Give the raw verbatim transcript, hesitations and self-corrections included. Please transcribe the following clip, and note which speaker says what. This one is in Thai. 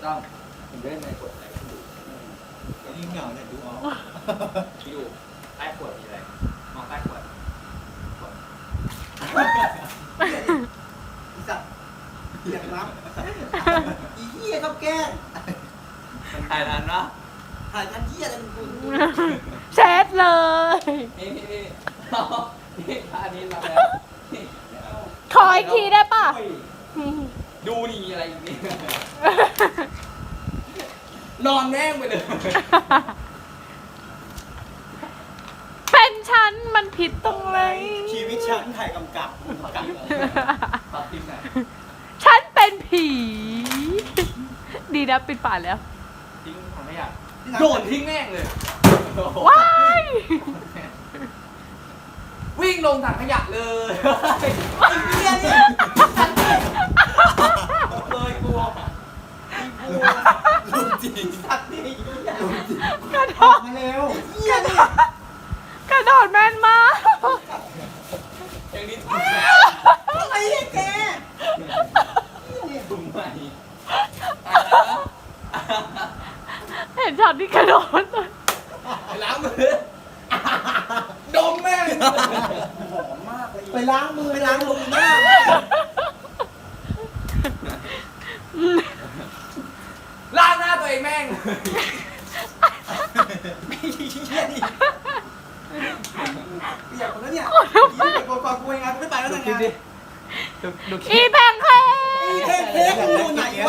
Speaker 1: ต้องผมเล่นในกดอะไรดู
Speaker 2: ไอ้นี่เหงาเนี่ยดูออก
Speaker 1: พี่ดูใต้ขวดมีอะไรมองใต้ขวดขวด
Speaker 2: อีสัตว์เหี้ยรับอีเหี้ยเขาแกล้ง
Speaker 1: มันถ่ายทันเนาะ
Speaker 2: ถ่ายทันเหี้ยอะไรมึงกู
Speaker 3: เช็ดเลย
Speaker 1: นี่นี่นี่เอานี่ท่านี้รับแล้วนี่เอา
Speaker 3: ขออีกทีได้ป่ะ
Speaker 1: โอ้ยดูนี่มีอะไรอีกนี่นอนแม่งไปเลย
Speaker 3: เป็นฉันมันผิดตรงไหน
Speaker 2: ชีวิตฉันถ่ายกำกับกำกับ
Speaker 1: ตัดทิ้งไหน
Speaker 3: ฉันเป็นผี ดีนะปิดฝาแล้ว
Speaker 1: ทิ้งถังขยะโยนทิ้งแม่งเลย
Speaker 3: ว้าย
Speaker 1: วิ่งลงถังขยะเลย
Speaker 2: เหี้ยเนี่ย
Speaker 1: เลยกลัว
Speaker 2: ลุงจริงสัตว์นี่เหี้ยลุงจริง
Speaker 3: กระโด
Speaker 2: ออก
Speaker 3: ด
Speaker 2: มาเร็วเหี้ยเนี่ย
Speaker 3: กระโดดแม่นมาก
Speaker 1: อย่างนี้
Speaker 2: อะไรเนี่ยแก
Speaker 1: ถุงใหม่
Speaker 3: เห็นช็อตที่กระโดดเลย
Speaker 1: ล้างมือดมแม่ง
Speaker 2: หอมมากเลยไปล้างมือไปล้างลงหน้า
Speaker 1: ล้างหน้าตัวเองแม่ง
Speaker 2: ไม่เหี้ยนี่เปียกหมดแล้วเนี่ยเหี้ยเปียกกว่ากูเองอ่ะกูไม่ไปแล้วนะงาน
Speaker 1: ดูดู
Speaker 3: อีแพงเค
Speaker 2: อีเทคเทคกูอยู่ไหนวะ